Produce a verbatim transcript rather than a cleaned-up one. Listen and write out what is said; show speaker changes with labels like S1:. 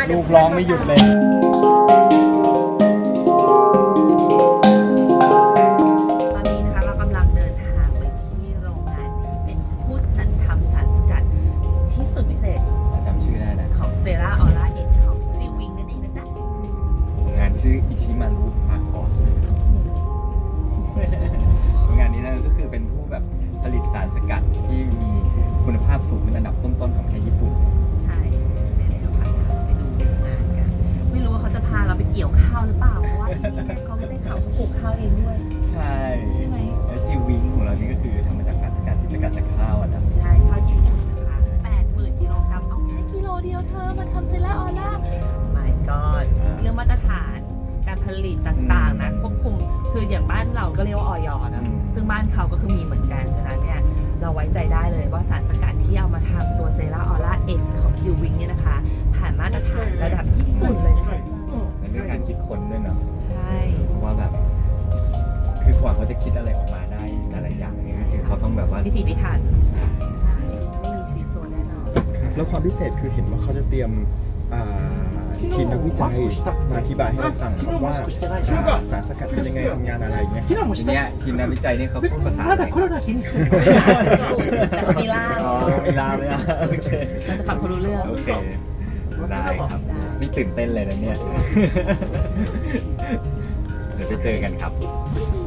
S1: ลูกร้องไม่หยุดเลย
S2: ตอนนี้นะคะเรากำลังเดินทางไปที่โรงงานที่เป็นผู้จัดทำสารสกัดที่สุดพิเศษ
S1: จำชื่อได้นะ
S2: ของเซราออร่าเอ็กซ์ของจิววิงนั่นเองนะจ๊ะ
S1: งานชื่ออิชิมารุฟาคอสงานนี้นะก็คือเป็นผู้แบบผลิตสารสกัดที่มีคุณภาพสูงเป็นอันดับต้นๆของประเทศญี่ปุ่น
S2: ใช่ใช่แล้วค่ะเราจะไปดูงานกันไม่รู้ว่าเขาจะพาเราไปเกี่ยวข้าวหรือเปล่าเพราะว่าที่นี่เนี่ยเขาไม่ได้ข่าวเขาปลูกข้าวเองด้วย
S1: ใช่
S2: ใช่ไหม
S1: แล้วจิวิงของเรานี่ก็คือทำมาจากสารสกัดที่สกัดจากข้าวอะนะ
S2: ใช่ข้าวญี่ปุ่นนะคะแปดหมื่นกิโลกรัมเอาแค่กิโลเดียวเธอมาทำเซราออร่า my god เรื่องมาตรฐานการผลิตต่างๆนะควบคุมคืออย่างบ้านเราก็เรียกว่าออยนะซึ่งบ้านเขาก็คือมีเหมือนกันฉะนั้นเนี่ยเราไว้ใจได้เลยว่าสารสกัดที่เอามาทำตัวเซราออร่าเอ็กซ์ของจิววิงเนี่ยนะคะผ่านมาตรฐานระดับญี่ปุ่นเลยนะ
S1: มันด้วยการคิดค้นด้วยเนาะ
S2: ใช่
S1: เพราะว่าแบบคือกว่าเขาจะคิดอะไรออกมาได้หลายๆอย่างเนี่ยก็คือเขาต้องแบบว่า
S2: พิถีพิถัน
S1: ใช่
S2: ใช่ไม่มีซีโซนแน่นอน
S3: แล้วความพิเศษคือเห็นว่าเขาจะเตรียมอ่าทีมนักวิจัยมาอธิบายให้เราฟังครับว่าอ่าสารสกัดเป็นยังไงทำงานอะไรเงี้ย
S1: ทีเนี้ยทีมนักวิจัยนี่เขาพูดภาษาอะไร
S2: แต่เขามีล่าม
S1: อ๋อมีลาวเลยอ่ะโอเค
S2: เราจะฟังเขารู้เรื่อง
S1: โอเคได้ครับนี่ตื่นเต้นเลยนะเนี่ยเดี๋ยวไปเจอกันครับ